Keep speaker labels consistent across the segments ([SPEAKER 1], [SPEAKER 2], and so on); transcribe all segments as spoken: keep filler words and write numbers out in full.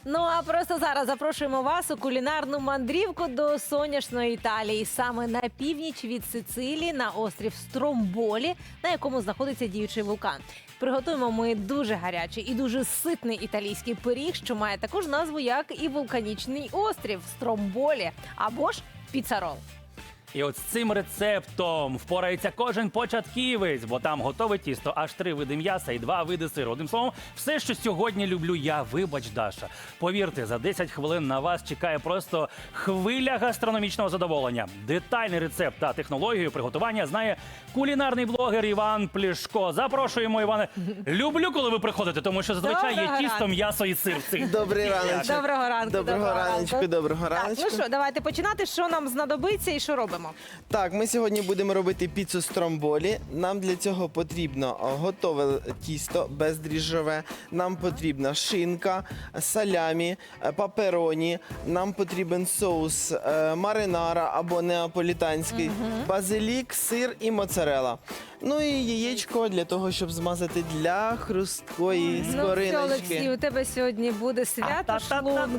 [SPEAKER 1] Ну а просто зараз запрошуємо вас у кулінарну мандрівку до сонячної Італії, саме на північ від Сицилії, на острів Стромболі, на якому знаходиться діючий вулкан. Приготуємо ми дуже гарячий і дуже ситний італійський пиріг, що має таку ж назву, як і вулканічний острів Стромболі, або ж піцарол.
[SPEAKER 2] І от з цим рецептом впорається кожен початківець, бо там готове тісто, аж три види м'яса і два види сиру. Одним словом, все, що сьогодні люблю я, вибач, Даша. Повірте, за десять хвилин на вас чекає просто хвиля гастрономічного задоволення. Детальний рецепт та технологію приготування знає кулінарний блогер Іван Плішко. Запрошуємо, Іване. Люблю, коли ви приходите, тому що зазвичай є
[SPEAKER 1] Доброго
[SPEAKER 2] тісто,
[SPEAKER 1] ранку.
[SPEAKER 2] м'ясо і сир. в цих
[SPEAKER 3] Добрий раночок.
[SPEAKER 1] Доброго ранку.
[SPEAKER 3] Доброго раночку, доброго
[SPEAKER 1] Так,
[SPEAKER 3] раночку.
[SPEAKER 1] ну що, давайте починати. Що нам знадобиться і що робимо?
[SPEAKER 3] Так, ми сьогодні будемо робити піцу Стромболі. Нам для цього потрібно о, готове тісто бездріжджове. Нам потрібна шинка, салямі, е, папероні. Нам потрібен соус е, маринара або неаполітанський, базилік, сир і моцарела. Ну і яєчко для того, щоб змазати для хрусткої
[SPEAKER 1] Ну, все, Олексій,
[SPEAKER 3] скориночки.
[SPEAKER 1] у тебе сьогодні буде свято шлунку.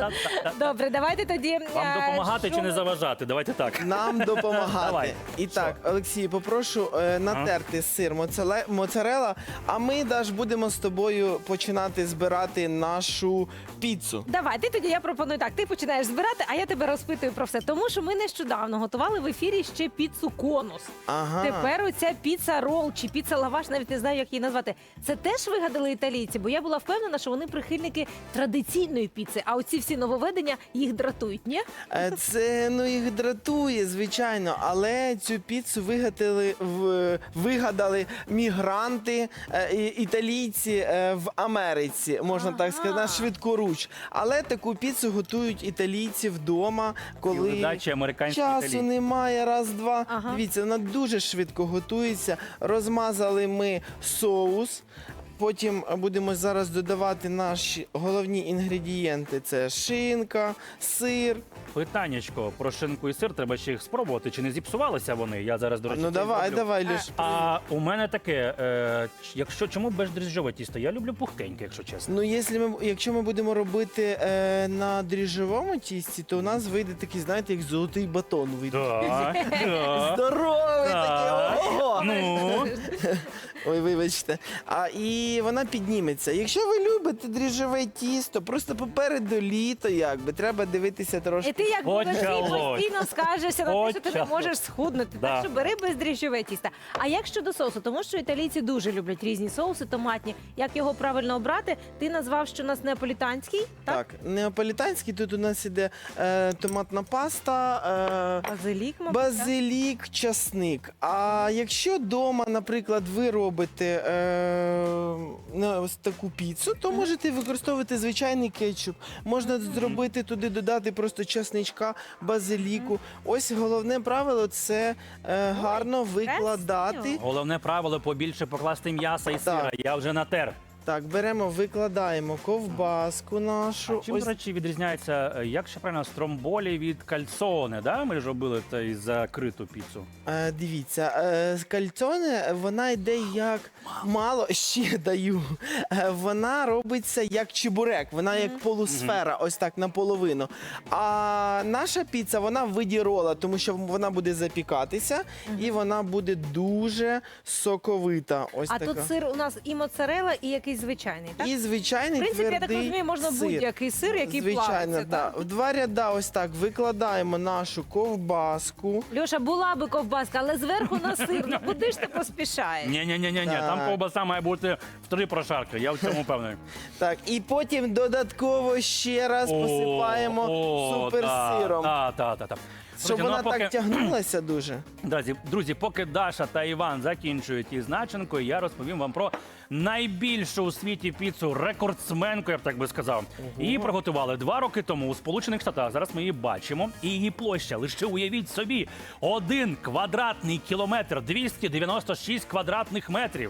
[SPEAKER 1] Добре, давайте тоді...
[SPEAKER 2] Вам
[SPEAKER 1] е,
[SPEAKER 2] допомагати
[SPEAKER 1] що
[SPEAKER 2] чи не
[SPEAKER 1] ми-
[SPEAKER 2] заважати? Давайте так.
[SPEAKER 3] Нам допомагати.
[SPEAKER 2] Давай.
[SPEAKER 3] І так, Олексій, попрошу е, натерти сир моцеле- моцарела, а ми, Даш, будемо з тобою починати збирати нашу піцу.
[SPEAKER 1] Давай, ти тоді я пропоную так. Ти починаєш збирати, а я тебе розпитую про все. Тому що ми нещодавно готували в ефірі ще піцу конус.
[SPEAKER 3] Ага.
[SPEAKER 1] Тепер оця піца рол чи піца лаваш, навіть не знаю, як її назвати. Це теж вигадали італійці, бо я була впевнена, що вони прихильники традиційної піци, а оці всі нововведення їх дратують, ні?
[SPEAKER 3] Е, Це ну їх дратує, звичайно, але цю піцу вигадали, в, вигадали мігранти, е, і- італійці е, в Америці, можна
[SPEAKER 1] Ага.
[SPEAKER 3] так сказати, на швидкоруч. Але таку піцу готують італійці вдома, коли
[SPEAKER 2] Співвидачі американські
[SPEAKER 3] часу
[SPEAKER 2] італійці.
[SPEAKER 3] немає, раз-два.
[SPEAKER 1] Ага.
[SPEAKER 3] Дивіться, вона дуже швидко готується. Розмазали ми соус. Потім будемо зараз додавати наші головні інгредієнти. Це шинка, сир.
[SPEAKER 2] Питаннячко про шинку і сир, треба ще їх спробувати. Чи не зіпсувалися вони? Я зараз, до речі,
[SPEAKER 3] Ну
[SPEAKER 2] це
[SPEAKER 3] давай,
[SPEAKER 2] зроблю.
[SPEAKER 3] давай, Люш.
[SPEAKER 2] А у мене таке, е, ч- якщо чому бездріжджове тісто? Я люблю пухкеньке, якщо чесно.
[SPEAKER 3] Ну, якщо ми, якщо ми будемо робити е, на дріжджовому тісті, то у нас вийде такий, знаєте, як золотий батон вийде.
[SPEAKER 2] Так, так.
[SPEAKER 3] Здоровий
[SPEAKER 2] Так.
[SPEAKER 3] такий. Ого!
[SPEAKER 2] Ну,
[SPEAKER 3] Ой, вибачте. А і вона підніметься. Якщо ви любите дріжджове тісто, просто попереду літо, якби треба дивитися
[SPEAKER 1] І
[SPEAKER 3] трошки.
[SPEAKER 1] ти як Олексій
[SPEAKER 2] Почалось.
[SPEAKER 1] постійно скажешся на те, що ти не
[SPEAKER 2] Почалось.
[SPEAKER 1] можеш схуднути.
[SPEAKER 2] Да.
[SPEAKER 1] Так що бери бездріжджове тісто. А як щодо соусу? Тому що італійці дуже люблять різні соуси томатні. Як його правильно обрати? Ти назвав, що у нас неаполітанський, так?
[SPEAKER 3] Так, неаполітанський, тут у нас іде е, томатна паста, е,
[SPEAKER 1] Базилік, мабуть, так?
[SPEAKER 3] базилік, часник. А якщо вдома, наприклад, ви робите е, на ось таку піцу, то можете використовувати звичайний кетчуп. Можна зробити туди, додати просто часничка, базиліку. Ось головне правило це е, гарно викладати.
[SPEAKER 1] красиво.
[SPEAKER 2] головне правило побільше покласти м'яса і сира.
[SPEAKER 3] Так.
[SPEAKER 2] Я вже натер.
[SPEAKER 3] Так, беремо, викладаємо ковбаску нашу.
[SPEAKER 2] Чим,
[SPEAKER 3] Ось
[SPEAKER 2] до речі, відрізняється, е, як ще правильно, стромболі від кальцоне, да? Ми ж робили та й закриту піцу.
[SPEAKER 3] Е, дивіться, е, з кальцоне вона йде як мало, ще даю. Е, вона робиться як чебурек, вона як полусфера, ось так наполовину. А наша піца, вона в виді рола, тому що вона буде запікатися і вона буде дуже соковита. Ось
[SPEAKER 1] А
[SPEAKER 3] така.
[SPEAKER 1] тут сир у нас і моцарела, і якийсь звичайний, так?
[SPEAKER 3] І звичайний
[SPEAKER 1] В принципі, я так
[SPEAKER 3] твердий
[SPEAKER 1] розумію, можна
[SPEAKER 3] сир.
[SPEAKER 1] будь-який сир, який
[SPEAKER 3] Звичайно,
[SPEAKER 1] плавиться,
[SPEAKER 3] да.
[SPEAKER 1] так?
[SPEAKER 3] В два ряда ось так викладаємо нашу ковбаску.
[SPEAKER 1] Льоша, була би ковбаска, але зверху на сир. Ну куди ж ти поспішаєш?
[SPEAKER 2] Ні-ні-ні,
[SPEAKER 3] Так.
[SPEAKER 2] там ковбаса має бути в три прошарки, я в цьому впевнений.
[SPEAKER 3] Так, і потім додатково ще раз посипаємо суперсиром,
[SPEAKER 2] Так, так, так.
[SPEAKER 3] щоб вона так тягнулася дуже.
[SPEAKER 2] Друзі, друзі, поки Даша та Іван закінчують із начинкою, я розповім вам про найбільшу у світі піцу, рекордсменку, я б так би сказав. Її приготували два роки тому у Сполучених Штатах. Зараз ми її бачимо. І її площа, лише уявіть собі, один квадратний кілометр, двісті дев'яносто шість квадратних метрів.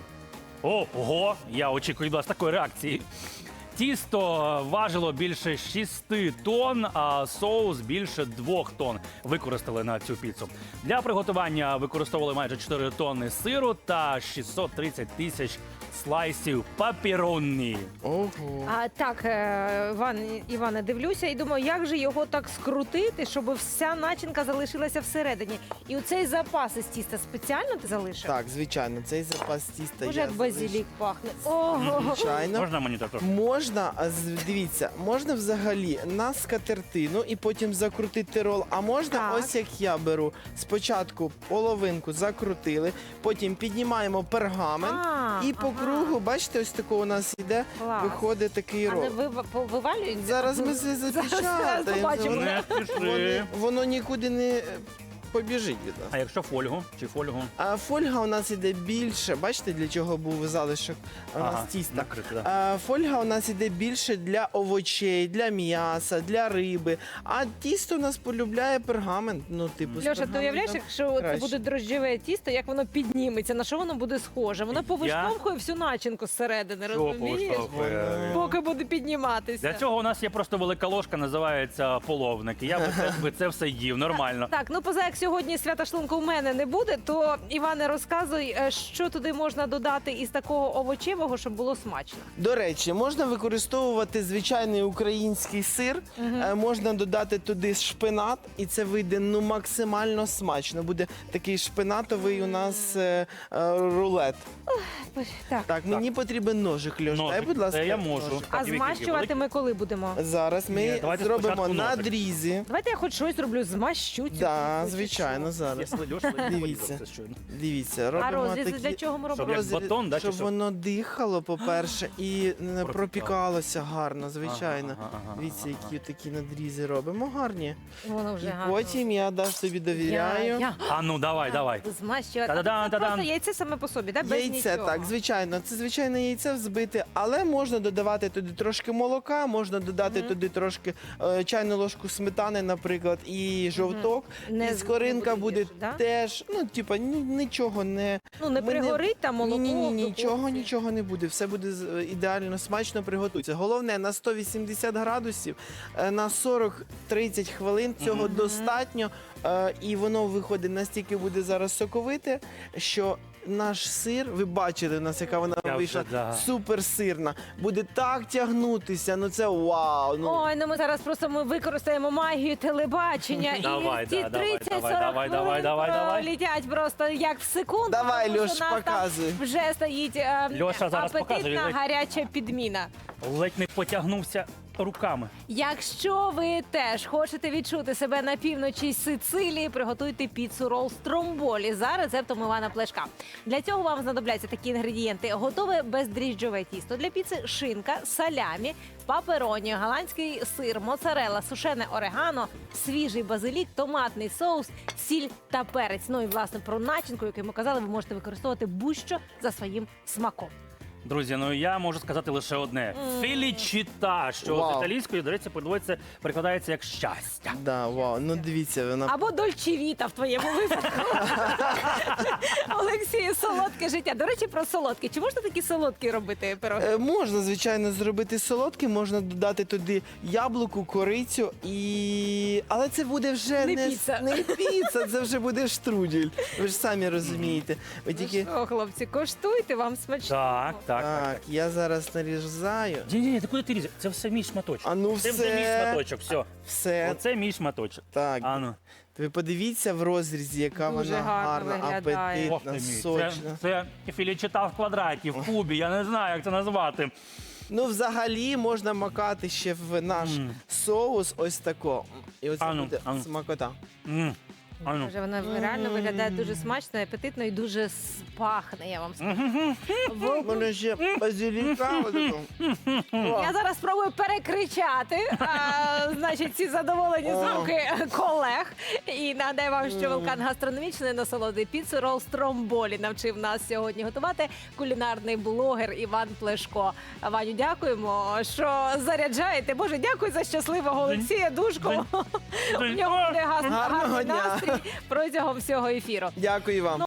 [SPEAKER 2] Ого, я очікую від вас такої реакції. Тісто важило більше шести тонн, а соус більше двох тонн використали на цю піцу. Для приготування використовували майже чотири тонни сиру та шістсот тридцять тисяч слайсів папіронні.
[SPEAKER 3] Ого.
[SPEAKER 1] А так, е, Іван, Іване, дивлюся і думаю, як же його так скрутити, щоб вся начинка залишилася всередині. І оцей запас із тіста спеціально ти залишив?
[SPEAKER 3] Так, звичайно, цей запас тіста
[SPEAKER 1] Боже,
[SPEAKER 3] я
[SPEAKER 1] як базилік пахне. Ого!
[SPEAKER 3] Звичайно.
[SPEAKER 2] Можна мені також?
[SPEAKER 3] Можна, а з- дивіться, можна взагалі на скатертину і потім закрутити рол. А можна,
[SPEAKER 1] Так.
[SPEAKER 3] ось як я беру, спочатку половинку закрутили, потім піднімаємо пергамент
[SPEAKER 1] А,
[SPEAKER 3] і по
[SPEAKER 1] ага.
[SPEAKER 3] кругу, бачите, ось такого у нас іде,
[SPEAKER 1] Клас.
[SPEAKER 3] виходить такий
[SPEAKER 1] А
[SPEAKER 3] рол.
[SPEAKER 1] не вива- по- вивалюється?
[SPEAKER 3] Зараз ми це
[SPEAKER 1] Зараз
[SPEAKER 3] запечатаємо.
[SPEAKER 1] побачимо.
[SPEAKER 3] Воно,
[SPEAKER 2] Не спіши.
[SPEAKER 3] воно, воно нікуди не е, побіжить від нас.
[SPEAKER 2] А якщо фольгу чи фольгу?
[SPEAKER 3] А фольга у нас іде більше. Бачите, для чого був залишок у нас
[SPEAKER 2] Ага,
[SPEAKER 3] тіста?
[SPEAKER 2] накрити, да.
[SPEAKER 3] А, фольга у нас іде більше для овочей, для м'яса, для риби. А тісто у нас полюбляє пергамент. Ну, типу, з
[SPEAKER 1] Льоша, ти
[SPEAKER 3] пергаментом
[SPEAKER 1] уявляєш, якщо це
[SPEAKER 3] краще.
[SPEAKER 1] буде дрожджеве тісто, як воно підніметься, на що воно буде схоже? Воно повиштовхує всю начинку зсередини,
[SPEAKER 2] Що
[SPEAKER 1] розумієш?
[SPEAKER 2] повиштовхує?
[SPEAKER 1] Поки буде підніматися.
[SPEAKER 2] Для цього у нас є просто велика ложка, називається половник. І я би це, би це все їв нормально.
[SPEAKER 1] Так, ну поза як сьогодні свята шлунку у мене не буде, то Іване, розказуй, е, що туди можна додати із такого овочевого, щоб було смачно.
[SPEAKER 3] До речі, можна використовувати звичайний український сир, е, можна додати туди шпинат, і це вийде ну максимально смачно. Буде такий шпинатовий у нас е, е, рулет.
[SPEAKER 1] Так.
[SPEAKER 3] Так, мені потрібен ножик, Льош. Дай,
[SPEAKER 2] Ножик,
[SPEAKER 3] будь ласка,
[SPEAKER 2] це я можу.
[SPEAKER 3] ножик.
[SPEAKER 1] А
[SPEAKER 2] Так, Вікі,
[SPEAKER 1] змащувати
[SPEAKER 2] великий?
[SPEAKER 1] ми коли будемо?
[SPEAKER 3] Зараз ми
[SPEAKER 2] Ні, давайте
[SPEAKER 3] зробимо
[SPEAKER 2] спочатку ножик.
[SPEAKER 3] надрізи.
[SPEAKER 1] Давайте я хоч щось зроблю, змащу цю
[SPEAKER 3] Да,
[SPEAKER 1] курицю,
[SPEAKER 3] звичайно,
[SPEAKER 1] чи
[SPEAKER 3] зараз.
[SPEAKER 2] Дивіться.
[SPEAKER 3] Дивіться. Дивіться,
[SPEAKER 1] що? А
[SPEAKER 3] робимо
[SPEAKER 1] розрізи
[SPEAKER 3] такі...
[SPEAKER 1] для чого ми робимо?
[SPEAKER 2] Щоб як
[SPEAKER 3] розріз-
[SPEAKER 2] батон, да, чи
[SPEAKER 3] щоб
[SPEAKER 2] що?
[SPEAKER 3] воно дихало, по-перше, і не
[SPEAKER 2] Пропікало.
[SPEAKER 3] пропікалося гарно, звичайно.
[SPEAKER 2] Ага, ага,
[SPEAKER 3] Дивіться,
[SPEAKER 2] ага,
[SPEAKER 3] які такі надрізи робимо, гарні.
[SPEAKER 1] Воно вже
[SPEAKER 3] І
[SPEAKER 1] гарно.
[SPEAKER 3] потім я Даш тобі довіряю.
[SPEAKER 1] Я, я.
[SPEAKER 2] А ну давай, давай.
[SPEAKER 1] Змащувати.
[SPEAKER 2] Та-да-дан,
[SPEAKER 1] А це
[SPEAKER 2] та-дан.
[SPEAKER 1] просто яйце саме по собі, да? Без
[SPEAKER 3] Яйце,
[SPEAKER 1] нічого.
[SPEAKER 3] так, звичайно, це звичайне яйце взбите, але можна додавати туди трошки молока, можна додати
[SPEAKER 1] Мгм.
[SPEAKER 3] туди трошки е, чайну ложку сметани, наприклад, і жовток.
[SPEAKER 1] Не
[SPEAKER 3] і
[SPEAKER 1] з-
[SPEAKER 3] скоринка
[SPEAKER 1] не
[SPEAKER 3] буде
[SPEAKER 1] більше, да?
[SPEAKER 3] теж, ну, типа, ні- нічого не.
[SPEAKER 1] Ну, не
[SPEAKER 3] Ми не-
[SPEAKER 1] пригорить там молоко.
[SPEAKER 3] Ні, ні, ні,
[SPEAKER 1] в
[SPEAKER 3] нічого,
[SPEAKER 1] духовці.
[SPEAKER 3] нічого не буде. Все буде з- е, ідеально смачно приготується. Головне на сто вісімдесят градусів е, на сорок-тридцять хвилин. Цього
[SPEAKER 1] Мгм.
[SPEAKER 3] достатньо. е, І воно виходить настільки буде зараз соковите, що наш сир, ви бачили, у нас яка вона
[SPEAKER 2] Я вже,
[SPEAKER 3] вийшла
[SPEAKER 2] да.
[SPEAKER 3] суперсирна. Буде так тягнутися. Ну це вау. Ну
[SPEAKER 1] Ой, ну ми зараз просто ми використаємо магію телебачення.
[SPEAKER 2] Давай,
[SPEAKER 1] і ці
[SPEAKER 2] да, давай,
[SPEAKER 1] тридцять сорок
[SPEAKER 2] давай, давай, давай, давай, давай.
[SPEAKER 1] літять просто як в секунду.
[SPEAKER 3] Давай,
[SPEAKER 1] тому
[SPEAKER 3] Льош,
[SPEAKER 1] що нас там
[SPEAKER 3] показуй.
[SPEAKER 1] Вже стоїть е,
[SPEAKER 2] Льоша зараз
[SPEAKER 1] апетитна
[SPEAKER 2] показує.
[SPEAKER 1] гаряча підміна.
[SPEAKER 2] Ледь не потягнувся руками.
[SPEAKER 1] Якщо ви теж хочете відчути себе на півночі Сицилії, приготуйте піцу рол стромболі за рецептом Івана Плешка. Для цього вам знадобляться такі інгредієнти: готове бездріжджове тісто для піци, шинка, салямі, папероні, голландський сир, моцарелла, сушене орегано, свіжий базилік, томатний соус, сіль та перець. Ну і власне про начинку, яку ми казали, ви можете використовувати будь-що за своїм смаком.
[SPEAKER 2] Друзі, ну я можу сказати лише одне: фелічіта, що
[SPEAKER 3] Вау.
[SPEAKER 2] з італійської, до речі, переводиться, перекладається як щастя.
[SPEAKER 3] да, вау. Ну дивіться, вона
[SPEAKER 1] Або дольчевіта в твоєму випадку. Олексію, солодке життя. До речі, про солодке. Чи можна такі солодкі робити пироги?
[SPEAKER 3] Е, Можна, звичайно, зробити солодкий, можна додати туди яблуку, корицю і. Але це буде вже
[SPEAKER 1] Не
[SPEAKER 3] не,
[SPEAKER 1] піца.
[SPEAKER 3] с- не піца, це вже буде штрудель. Ви ж самі розумієте. Ви
[SPEAKER 1] Ну
[SPEAKER 3] тільки.
[SPEAKER 1] що, хлопці, коштуйте, вам смачно.
[SPEAKER 2] Так, так, так.
[SPEAKER 3] Так, я зараз нарізаю.
[SPEAKER 2] Ні, ні, ні, ти куди ти різаєш? Це все мій шматочок.
[SPEAKER 3] А ну
[SPEAKER 2] Це вже мій
[SPEAKER 3] все.
[SPEAKER 2] шматочок, все.
[SPEAKER 3] Все.
[SPEAKER 2] Оце мій шматочок.
[SPEAKER 3] Так.
[SPEAKER 2] А ну.
[SPEAKER 3] Ви подивіться в розрізі, яка
[SPEAKER 1] Дуже
[SPEAKER 3] вона
[SPEAKER 1] гарно
[SPEAKER 3] гарна,
[SPEAKER 1] виглядає.
[SPEAKER 2] Ох ти
[SPEAKER 3] апетитна,
[SPEAKER 2] мій. Це,
[SPEAKER 3] сочна.
[SPEAKER 2] це філічита в квадраті, в кубі, я не знаю, як це назвати.
[SPEAKER 3] Ну, взагалі можна макати ще в наш
[SPEAKER 2] Мм.
[SPEAKER 3] соус ось тако. І оце
[SPEAKER 2] А ну,
[SPEAKER 3] буде
[SPEAKER 2] а ну.
[SPEAKER 3] смакота.
[SPEAKER 2] М, А ну.
[SPEAKER 1] Вже вона реально виглядає дуже смачно, апетитно і дуже с- пахне, я вам скажу. Ви-
[SPEAKER 3] Воно ще базиліка. отако.
[SPEAKER 1] Я зараз спробую перекричати, а, значить, ці задоволені
[SPEAKER 3] О.
[SPEAKER 1] звуки колег. І нагадаю вам, що вулкан гастрономічної насолоди піцу рол стромболі навчив нас сьогодні готувати кулінарний блогер Іван Плешко. Ваню, дякуємо, що заряджаєте. Боже, дякую за щасливого Олексія Душко. У нього буде гас-
[SPEAKER 3] Гарного
[SPEAKER 1] гарний
[SPEAKER 3] дня.
[SPEAKER 1] настрій протягом всього ефіру.
[SPEAKER 3] Дякую вам.